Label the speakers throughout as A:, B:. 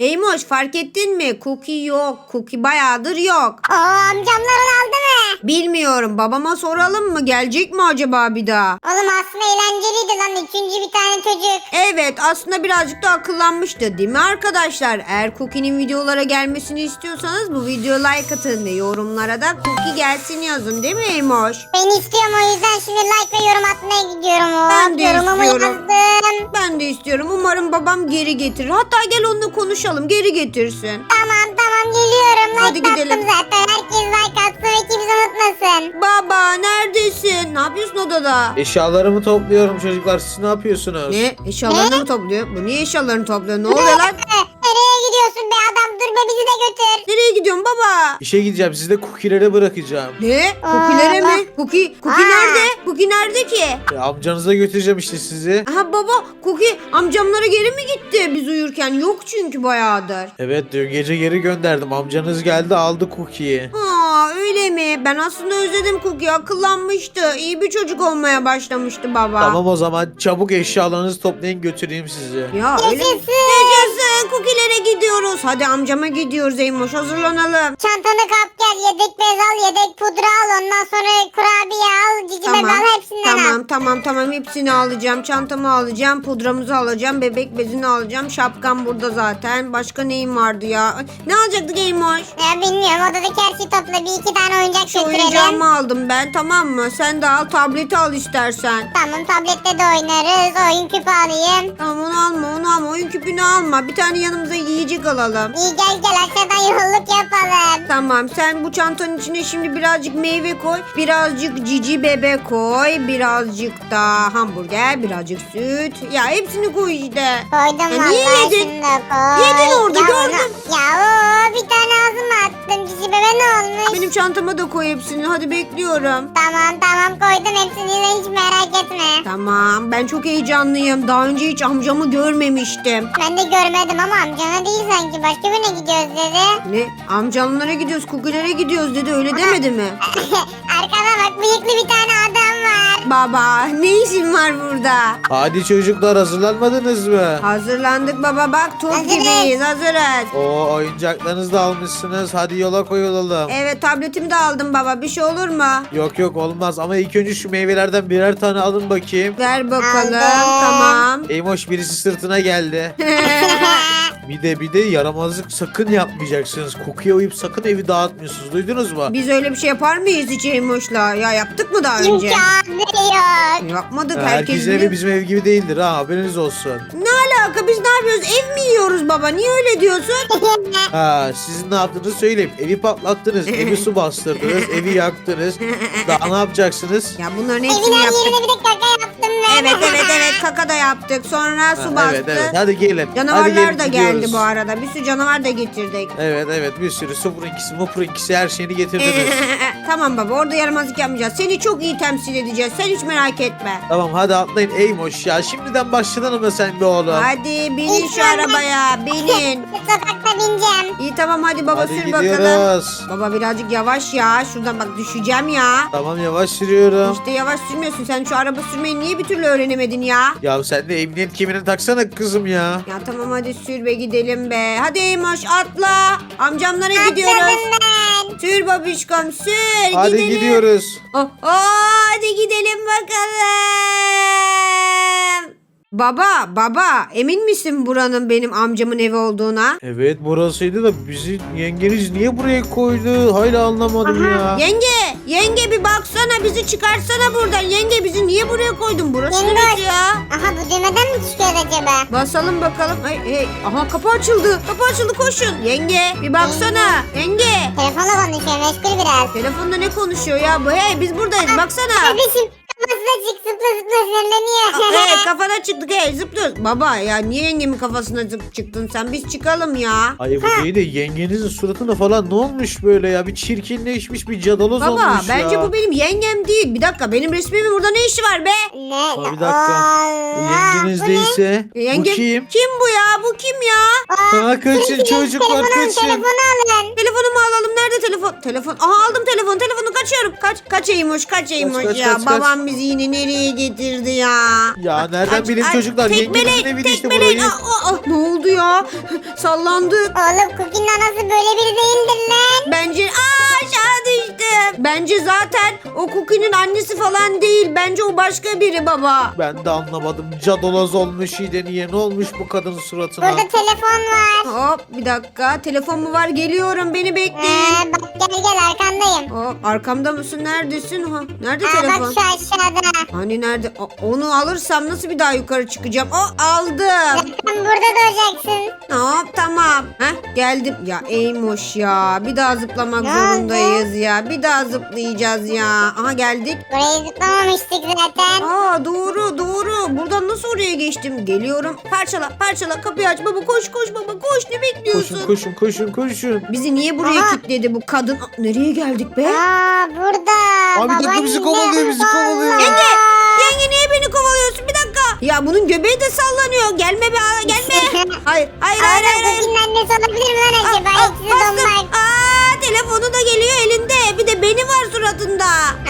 A: Eymoş fark ettin mi? Cookie yok. Cookie bayağıdır yok.
B: Oo, amcamlar onu aldı mı?
A: Bilmiyorum. Babama soralım mı? Gelecek mi acaba bir daha?
B: Oğlum aslında eğlenceliydi lan. Üçüncü bir tane çocuk.
A: Evet aslında birazcık da akıllanmıştı değil mi arkadaşlar? Eğer Cookie'nin videolara gelmesini istiyorsanız bu videoya like atın ve yorumlara da Cookie gelsin yazın değil mi Eymoş?
B: Ben istiyorum, o yüzden şimdi like ve yorum atmaya gidiyorum.
A: Ben de
B: Yorumumu
A: istiyorum.
B: yazdım.
A: Ben de istiyorum. Umarım babam geri getirir. Hatta gel onunla konuşalım. Geri getirsin.
B: Tamam geliyorum.
A: Hadi
B: Like
A: gidelim.
B: attım zaten. Herkes like atsın ve kimse unutmasın.
A: Baba neredesin? Ne yapıyorsun odada?
C: Eşyalarımı topluyorum çocuklar. Siz ne yapıyorsunuz?
A: Ne? Eşyalarını mı topluyor? Bu niye eşyalarını topluyor? Ne oluyor lan?
B: Nereye gidiyorsun be adam? Dur be, bizi de götür.
A: Nereye gidiyorsun baba?
C: İşe gideceğim. Sizi de cookie'lere bırakacağım.
A: Ne? Cookie'lere mi? Cookie
B: Aa.
A: nerede? Cookie nerede ki?
C: Amcanıza götüreceğim işte sizi.
A: Aha baba Cookie amcamlara geri mi gitti biz uyurken? Yok çünkü bayağıdır.
C: Evet dün gece geri gönderdim. Amcanız geldi aldı cookie'yi.
A: Aa öyle mi? Ben aslında özledim Cookie. Akıllanmıştı. İyi bir çocuk olmaya başlamıştı baba.
C: Tamam o zaman çabuk eşyalarınızı toplayın götüreyim sizi.
A: Ya öyle mi?
B: Yaşasın.
A: Yaşasın. Cookie'lere gidiyoruz. Hadi amcama gidiyoruz Eymoş. Hazırlanalım.
B: Çantanı kap gel. Yedek bez al, yedek pudra al. Ondan sonra kurabiye al, cici bebe al, hepsinden al.
A: Tamam hepsini alacağım. Çantamı alacağım, pudramızı alacağım, bebek bezini alacağım. Şapkam burada zaten. Başka neyim vardı ya? Ay, ne alacaktık Eymoş?
B: Ya bilmiyorum, odadaki her şeyi topla. Bir iki tane oyuncak
A: Şu
B: götürelim.
A: oyuncağımı aldım ben, tamam mı? Sen de al, tableti al istersen.
B: Tamam, tablette de oynarız. Oyun küpü alayım.
A: Tamam onu alma. Oyun küpünü alma. Bir tane yanımıza yiyecek alalım.
B: İyi gel aşağıdan yolluk yapalım.
A: Tamam sen bu çantanın içine şimdi birazcık meyve koy. Birazcık cici bebe koy. Birazcık da hamburger. Birazcık süt. Ya hepsini koy işte.
B: Koydum
A: Ya niye
B: vallahi,
A: yedin?
B: şunu da koy.
A: Yedin orada,
B: Ya
A: gördüm.
B: bir tane ağzıma attım. Cici bebe ne olmuş?
A: Benim çantama da koy hepsini. Hadi bekliyorum.
B: Tamam koydum hepsini, hiç merak etme.
A: Tamam ben çok heyecanlıyım. Daha önce hiç amcamı görmemiştim.
B: Ben de görmedim ama amcana değil sanki. Başka birine gidiyoruz dedi.
A: Ne? Amcanlara gidiyoruz, Cookie'lere gidiyoruz dedi. Öyle demedi mi?
B: Arkada bak, bıyıklı bir tane adam var.
A: Baba ne işin var burada?
C: Hadi çocuklar hazırlanmadınız mı?
A: Hazırlandık baba bak top
B: Hazırız.
A: gibiyiz hazırız.
C: O oyuncaklarınızı da almışsınız. Hadi yola koyulalım.
A: Evet tabletimi de aldım baba bir şey olur mu?
C: Yok olmaz ama ilk önce şu meyvelerden birer tane alın bakayım.
A: Ver bakalım
B: Aldım.
A: tamam.
C: Eymoş birisi sırtına geldi. Bir de yaramazlık sakın yapmayacaksınız. Kokuya uyup sakın evi dağıtmıyorsunuz. Duydunuz mu?
A: Biz öyle bir şey yapar mıyız hiç Eymoş'la? Ya yaptık mı daha önce?
B: İmkanı yok.
A: Yapmadık herkes
C: Herkesin
A: biliyor.
C: evi bizim ev gibi değildir ha, haberiniz olsun.
A: Ne alaka biz ne yapıyoruz? Ev mi yiyoruz baba? Niye öyle diyorsun?
C: Ha, sizin ne yaptığınızı söyleyeyim. Evi patlattınız, evi su bastırdınız, evi yaktınız. Daha ne yapacaksınız?
A: Ya bunların
B: Evin
A: hepsini
B: her
A: yaptık.
B: yerine bir de kaka yaptım ben.
A: Evet kaka da yaptık. Sonra su bastı.
C: Evet, hadi gelin. Hadi
A: Canavarlar
C: gelin,
A: da
C: gidiyoruz.
A: geldi bu arada. Bir sürü canavar da getirdik.
C: Evet bir sürü sıfır inkisi her şeyini getirdiniz.
A: Tamam baba orada yaramazlık yapmayacağız. Seni çok iyi temsil edeceğiz. Sen hiç merak etme.
C: Tamam hadi atlayın Eymoş ya. Şimdiden başladın ama sen be oğlum.
A: Hadi binin şu arabaya. Binin.
B: Sokakta bineceğim.
A: İyi tamam hadi baba
C: Hadi
A: sür bakalım.
C: gidiyoruz.
A: Baba birazcık yavaş ya. Şuradan bak düşeceğim ya.
C: Tamam yavaş sürüyorum.
A: İşte yavaş sürmüyorsun. Sen şu araba sürmeyi niye bir türlü öğrenemedin ya?
C: Ya sen de emniyet kemerini taksana kızım ya.
A: Ya tamam hadi sür be gidelim be. Hadi Eymoş atla. Amcamlara gidiyoruz.
B: Atladım ben.
A: Sür babişkom sür.
C: Hadi
A: gidelim.
C: gidiyoruz.
A: Hadi gidelim bakalım. Baba emin misin buranın benim amcamın evi olduğuna?
C: Evet burasıydı da bizi yengeniz niye buraya koydu? Hala anlamadım ya.
A: Yenge bir baksana bizi çıkarsana buradan. Yenge bizi niye buraya koydun? Burası
B: Yenge.
A: neresi ya?
B: Aha, bu düğmeden mi çıkıyoruz acaba?
A: Basalım bakalım. Ay, aha kapı açıldı. Kapı açıldı koşun. Yenge bir baksana. Yenge.
B: Telefonla konuşuyor, meşgul biraz.
A: Telefonda ne konuşuyor ya bu? Hey biz buradayız baksana.
B: Kardeşim kafasına çık, zıpla sinirleniyor.
A: Evet kafana çıktık hey zıplıyoruz. Baba ya niye yengemin kafasına çıktın sen? Biz çıkalım ya.
C: Hayır bu değil de yengenizin suratına falan ne olmuş böyle ya? Bir çirkinleşmiş, bir cadaloz
A: Baba
C: olmuş ya.
A: bence bu benim yengem değil. Bir dakika benim resmimin burada ne işi var be?
B: Ne?
C: Aa, bir dakika. Bu yengeniz
B: bu ne?
C: değilse bu
A: Yengem
C: kim?
A: Kim bu ya? Bu kim ya?
C: Ha, kaçın çocuklar kaçın.
B: Telefonu alın.
A: Telefonumu alalım. Nerede telefon? Aha aldım telefonu. Telefonu kaçıyorum. Kaç Eymoş
C: kaç,
A: ya.
C: kaç.
A: Babam bizi yine nereye getirdi ya?
C: Ya nereden
A: Aç,
C: bileyim
A: aç,
C: çocuklar?
A: tekmeleyin,
C: Yengemizin evi de işte
A: tekmeleyin.
C: burayı.
A: Ne oldu ya? Sallandık.
B: Oğlum Cookie'nin anası böyle biri değildir lan.
A: Bence aşağı düştüm. Bence zaten o Cookie'nin annesi falan değil. Bence o başka biri baba.
C: Ben de anlamadım. Cadoloz olmuş niye ne olmuş bu kadının suratına?
B: Burada telefon var.
A: Hop bir dakika. Telefon mu var? Geliyorum. Beni bekleyin.
B: Bak gel arkandayım.
A: Hop arkamda mısın? Neredesin? Ha, nerede
B: Bak
A: telefon?
B: şu aşağıda.
A: Hani nerede? Onu alırsam nasıl bir daha yukarı çıkacağım? Aldım.
B: Sen burada duracaksın.
A: Hop tamam. Heh, geldim. Ya Eymoş ya. Bir daha zıplamak
B: Ne
A: zorundayız ya. Bir daha zıplayacağız ya. Aha geldik.
B: Burayı zıplamamıştık zaten.
A: Aa doğru doğru. Buradan nasıl oraya geçtim? Geliyorum. Parçala kapıyı aç baba. Koş baba koş. Ne bekliyorsun?
C: Koşun.
A: Bizi niye buraya
B: Aha.
A: kilitledi bu kadın? Aa, nereye geldik be?
B: Burada.
C: Abi bir dakika, bizi kovalıyor, bizi kovalıyor.
A: Yenge niye beni kovalıyorsun? Bir dakika. Ya bunun göbeği de sallanıyor. Gelme be gelme. Hayır.
B: Cookie'nin annesi olabilir mi lan acaba? İkisi
A: Bastım.
B: donmak.
A: Telefonu da geliyor elinde. Bir de beni var suratında.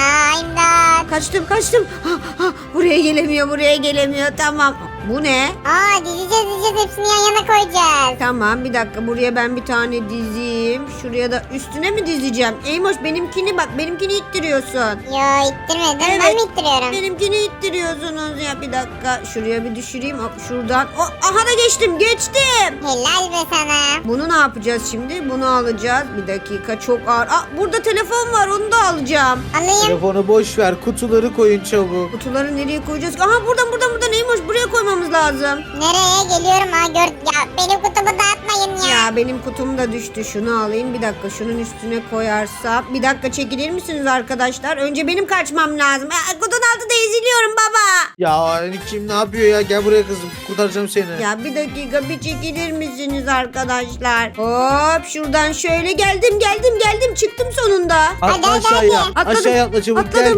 B: İmdat.
A: Kaçtım. Buraya gelemiyor. Tamam. Bu ne?
B: Dizeceğiz hepsini yan yana koyacağız.
A: Tamam bir dakika buraya ben bir tane dizeyim. Şuraya da üstüne mi dizeceğim? Eymoş benimkini ittiriyorsun.
B: Yo ittirmedim ben
A: Evet.
B: mi ittiriyorum?
A: Benimkini ittiriyorsunuz ya bir dakika. Şuraya bir düşüreyim. Hop şuradan. Aha da geçtim.
B: Helal be sana.
A: Bunu ne yapacağız şimdi? Bunu alacağız. Bir dakika çok ağır. Burada telefon var onu da alacağım.
B: Alayım.
C: Telefonu boş ver. Kutuları koyun çabuk.
A: Kutuları nereye koyacağız? Aha buradan Eymoş buraya koymamız lazım.
B: Nereye geliyorum Ya benim kutumu dağıtmayın ya.
A: Ya benim kutum da düştü. Şunu alayım. Bir dakika şunun üstüne koyarsam. Bir dakika çekilir misiniz arkadaşlar? Önce benim kaçmam lazım. Kutunun altında eziliyorum baba.
C: Ya kim ne yapıyor ya? Gel buraya kızım. Kurtaracağım seni.
A: Ya bir dakika bir çekilir misiniz arkadaşlar? Hop şuradan şöyle geldim. Çıktım sonunda.
C: Atla
B: Hadi,
C: aşağıya.
A: Atladım.
C: Aşağıya atla çabuk.
A: Atladım.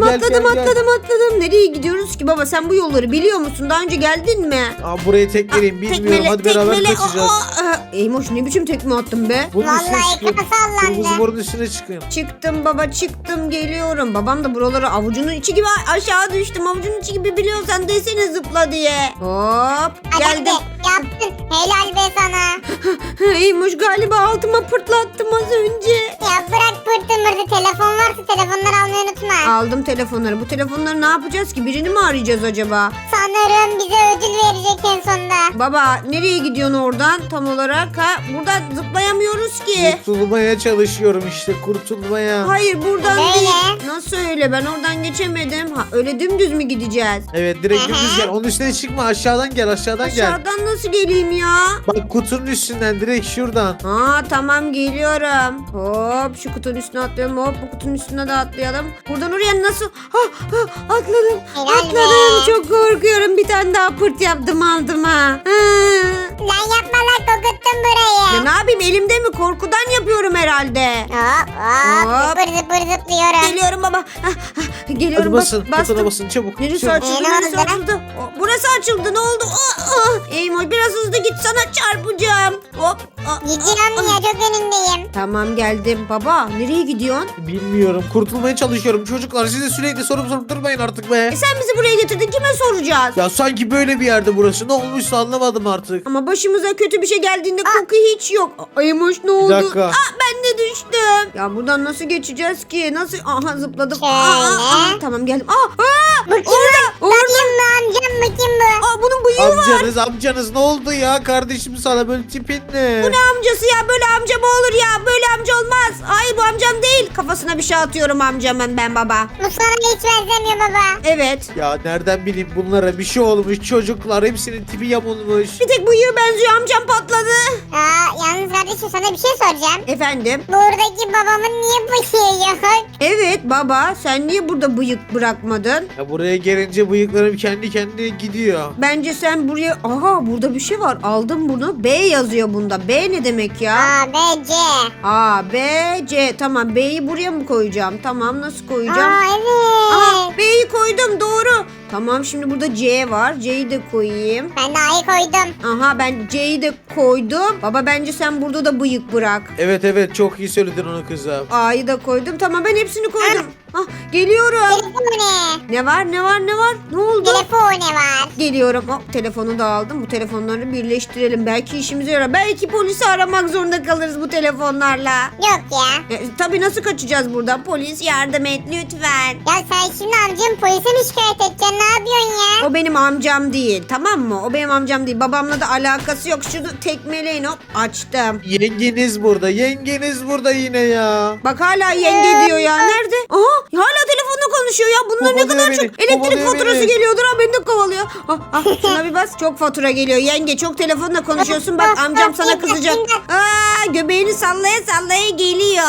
C: Gel.
A: Nereye gidiyoruz ki baba? Sen bu yolları biliyor musun? Daha önce geldin mi?
C: Burayı tekmeleyim bilmiyorum. Hadi beraber kaçacağız.
A: Eymoş ne biçim tekme attın be?
C: Bunun üstüne
B: Vallahi
C: çıkın.
B: kafa sallandı.
C: Kırmızı borun üstüne çıkın.
A: Çıktım baba geliyorum. Babam da buraları avucunun içi gibi aşağı düştüm. Avucunun içi gibi biliyorsan desene zıpla diye. Hop geldim.
B: Yaptın. Helal be sana.
A: Eymuş galiba altıma pırtlattım az önce.
B: Ya bırak pırtı telefon varsa telefonları almayı unutma.
A: Aldım telefonları. Bu telefonları ne yapacağız ki? Birini mi arayacağız acaba?
B: Sanırım bize ödül verecek en sonunda.
A: Baba nereye gidiyorsun oradan tam olarak? Buradan zıplayamıyoruz ki.
C: Kurtulmaya çalışıyorum işte kurtulmaya.
A: Hayır buradan
B: Öyle.
A: değil. Nasıl öyle? Ben oradan geçemedim. Öyle dümdüz mü gideceğiz?
C: Evet direkt dümdüz gel. Onun üstüne çıkma aşağıdan gel.
A: Aşağıdan nasıl geleyim ya?
C: Bak kutunun üstünden direkt şuradan.
A: Tamam geliyorum. Hop şu kutunun üstüne atlayalım. Hop bu kutunun üstüne de atlayalım. Buradan oraya nasıl? Atladım.
B: Helal
A: Atladım.
B: be.
A: Çok korkuyorum. Bir tane daha pırt yaptım aldım ha.
B: Lan yapma lan kokuttun burayı.
A: Ya ne yapayım elimde mi? Korkudan yapıyorum herhalde.
B: Hop. Zıpır zıplıyorum.
A: Geliyorum baba. Geliyorum
C: Hadi basın.
A: bastım.
C: Butona basın çabuk.
A: Neresi
C: Çabuk.
A: açıldı?
B: Ne
A: Neresi
B: oldu?
A: açıldı? Burası açıldı. Ne oldu? Eymoy biraz hızlı git sana çarpacağım. Hop.
B: Gidiyorum ya çok önündeyim.
A: Tamam geldim. Baba nereye gidiyorsun?
C: Bilmiyorum. Kurtulmaya çalışıyorum. Çocuklar size sürekli sorup durmayın artık be.
A: Sen bizi buraya getirdin. Kime soracağız?
C: Ya sanki böyle bir yerde burası. Ne olmuşsa anlamadım artık.
A: Ama başımıza kötü bir şey geldiğinde koku hiç yok. Eymoş ne oldu?
C: dakika.
A: Ben de düştüm. Ya buradan nasıl geçeceğiz ki? Nasıl? Aha zıpladım.
B: Şöyle.
A: Tamam geldim.
B: Bu kim lan? Dayım mı amcam mı kim bu?
A: Bunun bıyığı var.
C: Amcanız ne oldu ya? Kardeşim sana böyle tipin ne?
A: Bu ne amcası ya? Böyle amca mı olur ya? Böyle amca olmaz. Hayır bu amcam değil. Kafasına bir şey atıyorum amcamın ben baba.
B: Bu sana hiç benzemiyor baba.
A: Evet.
C: Ya nereden bileyim bunlara bir şey olmuş çocuklar hepsinin tipi yamulmuş.
A: Bir tek bıyığı benziyor. Amcam patladı.
B: Yalnız kardeşim sana bir şey soracağım.
A: Efendim?
B: Buradaki babamın niye bıyığı yok?
A: Evet baba. Sen niye burada bıyık bırakmadın?
C: Ya buraya gelince bıyıklarım kendi kendine gidiyor.
A: Bence sen buraya... Aha burada bir şey var. Aldım bunu. B yazıyor bunda. B ne demek ya?
B: B, C.
A: A, B, C. Tamam B'yi buraya mı koyacağım? Tamam nasıl koyacağım?
B: Evet.
A: Aha B'yi koydum doğru. Tamam şimdi burada C var. C'yi de koyayım.
B: Ben de A'yı koydum.
A: Aha ben C'yi de koydum. Baba bence sen burada da bıyık bırak.
C: Evet çok iyi söyledin onu kızım.
A: A'yı da koydum. Tamam ben hepsini koydum. Geliyorum.
B: Telefone.
A: Ne var? Ne oldu?
B: Telefone var.
A: Geliyorum. Hop, telefonu da aldım. Bu telefonları birleştirelim. Belki işimize yarar. Belki polisi aramak zorunda kalırız bu telefonlarla.
B: Yok ya.
A: Tabii nasıl kaçacağız buradan? Polis yardım et lütfen.
B: Ya sen şimdi amcam polise mi şikayet edeceksin? Ne yapıyorsun ya?
A: O benim amcam değil, tamam mı? O benim amcam değil. Babamla da alakası yok. Şunu tekmeleyin, hop, açtım.
C: Yengeniz burada. Yengeniz burada yine ya.
A: Bak hala yenge diyor ya. Nerede? Aha, hala telefonla konuşuyor ya. Bunlar ne
C: Kovalıyor
A: kadar
C: beni,
A: çok elektrik
C: kovalıyor
A: faturası
C: beni.
A: geliyordur. Ha, beni de kovalıyor. Şuna bir bas. Çok fatura geliyor. Yenge, çok telefonla konuşuyorsun. Bak amcam sana kızacak. Göbeğini sallaya sallaya geliyor.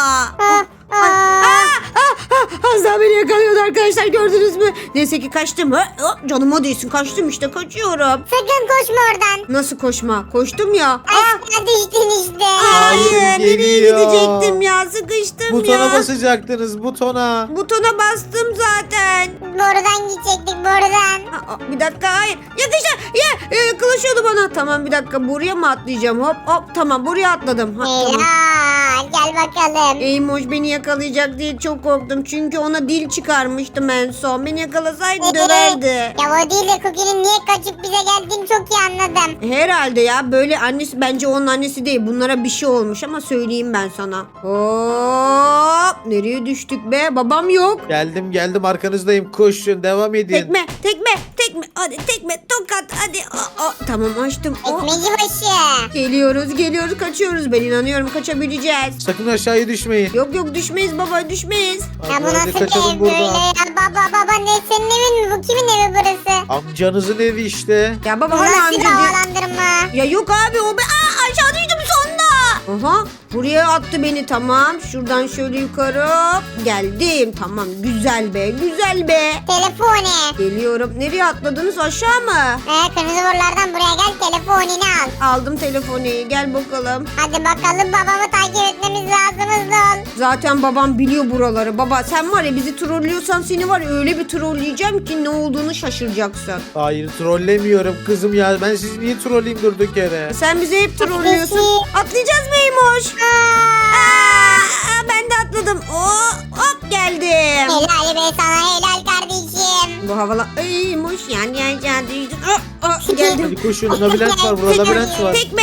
A: Az daha beni yakalıyordu arkadaşlar, gördünüz mü? Neyse ki kaçtım. Canıma değsin, kaçtım işte, kaçıyorum.
B: Sakın koşma oradan.
A: Nasıl koşma? Koştum ya.
B: Aşağı düştün işte.
A: Hayır, nereye
C: geliyor.
A: gidecektim ya? Sıkıştım
C: Butona
A: ya.
C: basacaktınız, butona.
A: Butona bastım zaten.
B: Borudan gidecektik borudan.
A: Bir dakika, hayır. Yakışa. Yaklaşıyordu bana. Tamam, bir dakika, buraya mı atlayacağım? Hop tamam, buraya atladım. Tamam.
B: Helal. Gel bakalım.
A: Eymoş beni yakalayacak diye çok korktum. Çünkü ona dil çıkarmıştım en son. Beni yakalasaydı döverdi.
B: Ya o değil de Cookie'nin niye kaçıp bize geldiğini çok iyi anladım.
A: Herhalde ya, böyle annesi, bence onun annesi değil. Bunlara bir şey olmuş ama söyleyeyim ben sana. Hop, nereye düştük be? Babam yok.
C: Geldim arkanızdayım. Koşun, devam edin.
A: Tekme. Hadi tekme, tokat, hadi. Tamam, açtım.
B: Ekmeci başı.
A: Geliyoruz, kaçıyoruz. Ben inanıyorum, kaçabileceğiz.
C: Sakın aşağıya düşmeyin.
A: Yok, düşmeyiz baba, düşmeyiz.
B: Ya bu
C: Hadi
B: nasıl bir
C: kaçalım
B: ev böyle
C: buradan.
B: ya? Baba ne senin evin mi bu? Kimin evi burası?
C: Amcanızın evi işte.
A: Ya
B: Bu
A: baba hala
B: nasıl
A: amca
B: bir
A: diyor.
B: havalandırma?
A: Ya yok abi, o be. Aşağı düştüm sonunda. Aha, buraya attı beni, tamam. Şuradan şöyle yukarı hop, geldim. Tamam, güzel be.
B: Telefone.
A: Geliyorum. Nereye atladınız, aşağı mı?
B: Kırmızı borulardan buraya gel, telefonini al.
A: Aldım telefonu, gel bakalım.
B: Hadi bakalım, babamı takip etmemiz lazım, hızlı ol.
A: Zaten babam biliyor buraları. Baba sen var ya, bizi trollüyorsan seni var ya öyle bir trolleyeceğim ki ne olduğunu şaşıracaksın.
C: Hayır, trollemiyorum kızım ya. Ben sizi niye trolleyim durduk yere?
A: Sen bizi hep trollüyorsun. Atlayacağız mı Eymoş? Ben de atladım. Hop, geldim.
B: Helal be sana, helal kardeşim.
A: Bu havalar. Eymoş yani aşağı düştüm. Geldim.
C: Hadi koşun, labirent var burada, labirent var.
A: Tekme.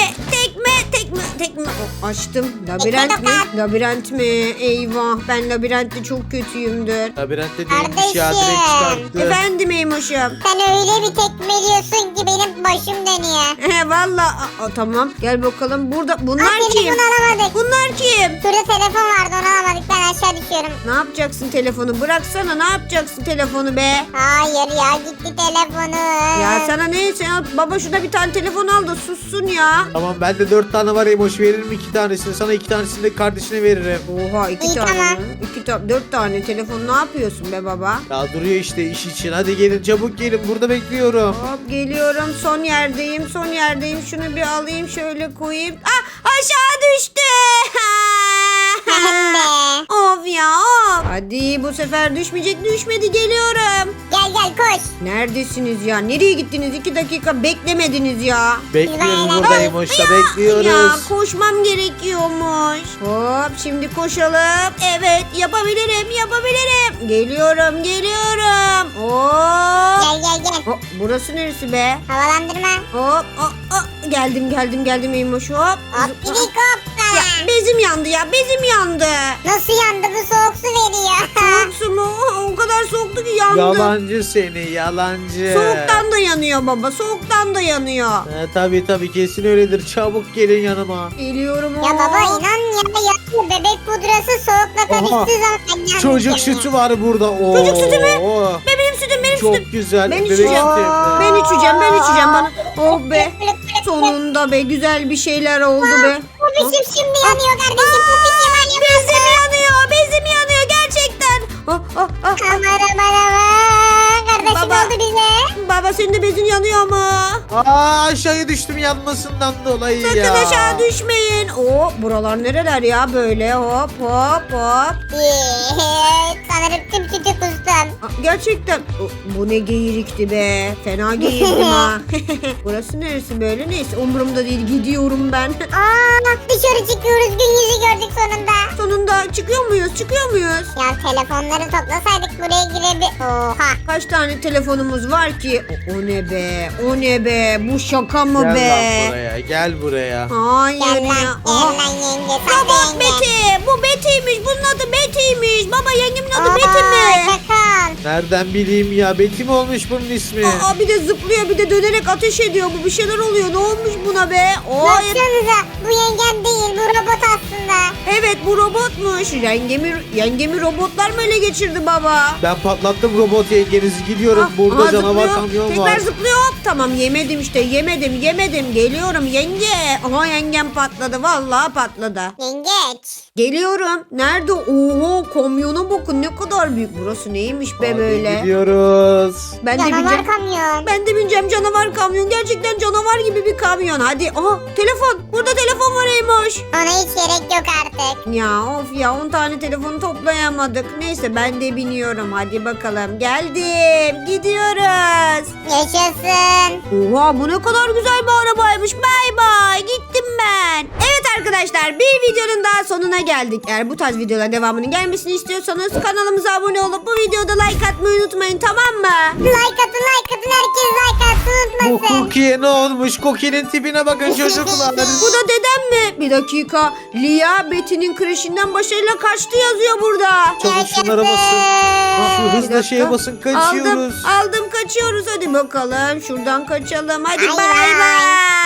A: Açtım. Labirent mi? Eyvah, ben labirentte çok kötüyümdür.
C: Labirentte değilmiş
B: Kardeşim.
C: ya, direkt çıkarttı.
A: Efendim Eymoş'um.
B: Sen öyle bir tekmeliyorsun ki benim başım dönüyor.
A: Valla. Tamam, gel bakalım. Bunlar kim?
B: Telefonu alamadık.
A: Bunlar kim?
B: Şurada telefon vardı, onu alamadık, ben aşağı düşüyorum.
A: Ne yapacaksın telefonu? Bıraksana, ne yapacaksın telefonu be?
B: Hayır ya, gitti telefonu.
A: Ya sana neyse ya, baba şuna bir tane telefon al da sussun ya.
C: Tamam, bende 4 tane var Emoş, veririm 2 tanesini. Sana 2 tanesini de kardeşine veririm.
A: Oha, 2
B: İyi,
A: tane
B: tamam.
A: mi? 4 tane telefon, ne yapıyorsun be baba?
C: Ya duruyor işte iş için. Hadi gelin, çabuk gelin, burada bekliyorum.
A: Hop, geliyorum, son yerdeyim. Şunu bir alayım, şöyle koyayım. Aşağı düştü.
B: Hem de.
A: Of ya, of. Hadi bu sefer düşmedi, geliyorum.
B: Gel koş.
A: Neredesiniz ya? Nereye gittiniz? 2 dakika beklemediniz ya.
C: Bekliyoruz
B: Ay,
C: burada Emoş'ta, bekliyoruz.
A: Ya koşmam gerekiyormuş. Hop, şimdi koşalım. Evet, yapabilirim. Geliyorum. Hop.
B: Gel.
A: Hop, burası neresi be?
B: Havalandırma.
A: Hop. Geldim Eymoş, hop.
B: Hop gidik hoppa.
A: Ya bezim yandı.
B: Nasıl yandı, bu soğuk su veriyor.
A: Soğuk su mu? O kadar soğuktu ki yandı.
C: Yalancı seni, yalancı.
A: Soğuktan da yanıyor baba.
C: Tabii kesin öyledir. Çabuk gelin yanıma.
A: Geliyorum.
B: Ya baba inan ya, yanıyor. Bebek pudrası soğukla karıştığı zaman yanıyor.
C: Çocuk sütü var burada. Oo.
A: Çocuk sütü mü? Benim sütüm.
C: Çok güzel.
A: Ben
C: Bebek
A: içeceğim.
C: sütü.
A: Ben içeceğim bana. Oh be. Sonunda be, güzel bir şeyler oldu be.
B: Popişim şimdi yanıyor kardeşim. Popişim yanıyor.
A: Bezim yanıyor gerçekten.
B: Aman. Kardeşim
A: Baba.
B: oldu bize.
A: Baba, senin de bezin yanıyor mu?
C: Aşağıya düştüm yanmasından dolayı
A: Sakın
C: ya.
A: aşağı düşmeyin. Buralar nereler ya böyle, hop.
B: Sanırım tüm sütü kustum.
A: Gerçekten. Bu ne geyirikti be. Fena geğirdim ha. Burası neresi böyle? Neyse, umurumda değil, gidiyorum ben.
B: Dışarı çıkıyoruz, gün yüzü gördük sonunda.
A: Sonunda çıkıyor muyuz? Çıkıyor muyuz?
B: Ya telefonları toplasaydık buraya girebilir. Oha.
A: Kaç tane telefonumuz var ki? O ne be? O ne be? Bu şaka mı
C: Gel
A: be?
C: lan buraya. Gel buraya.
A: Hayır
B: Gel
A: ya.
B: lan. Gel
A: Aha.
B: lan yenge.
A: Robot
B: Sahte yenge.
A: Betty. Bu Betty'ymiş. Bunun adı Betty'ymiş. Baba yengemin adı
B: Aa,
A: Betty mi?
B: sakın.
C: Nereden bileyim ya? Betty mi olmuş bunun ismi?
A: Aa bir de zıplıyor bir de dönerek ateş ediyor. Bu bir şeyler oluyor. Ne olmuş buna be? Hayır.
B: Baksanıza bu yengem değil bu robot aslında.
A: Evet bu robotmuş. Yengemi robotlar mı ele geçirdi baba?
C: Ben patlattım robot yengenizi. Gidiyorum.
A: Ah,
C: Burada
A: aha,
C: canavar
A: zıplıyor.
C: kamyon
A: Tekrar
C: var.
A: zıplıyor. Hop, tamam yemedim işte yemedim. Geliyorum yenge. Aha yengem patladı. Vallahi patladı.
B: Yengeç.
A: Geliyorum. Nerede? Oho kamyona bakın ne kadar büyük. Burası neymiş be
C: Hadi
A: böyle?
C: gidiyoruz.
A: Ben de
B: Canavar
A: bineceğim.
B: kamyon.
A: Ben de bineceğim canavar kamyon. Gerçekten canavar gibi bir kamyon. Hadi. Aha telefon. Burada telefon var Eymoş.
B: Ona hiç gerek yok artık.
A: Ya of ya 10 tane telefonu toplayamadık. Neyse ben de biniyorum. Hadi bakalım. Geldim. Gidiyoruz.
B: Yaşasın.
A: Oha bu ne kadar güzel bir arabaymış. Bay bay. Gittim ben. Evet arkadaşlar bir videonun daha sonuna geldik. Eğer bu tarz videoların devamının gelmesini istiyorsanız kanalımıza abone olup bu videoda like atmayı unutmayın, tamam mı?
B: Like atın herkes like atsın
C: Bu
B: unutmasın.
C: Cookie'ye ne olmuş? Cookie'nin tipine bakın çocuklar.
A: Bu da dedem mi? Bir dakika. Lia Betty'nin kreşinden başarıyla kaçtı yazıyor burada.
C: Çabuk şunlara basın. Şu
A: Bir
C: hızla
A: dakika.
C: şeye basın, kaçıyoruz.
A: Aldım kaçıyoruz hadi bakalım. Şuradan kaçalım. Hadi
B: Bay
A: bay
B: bay.
A: bay.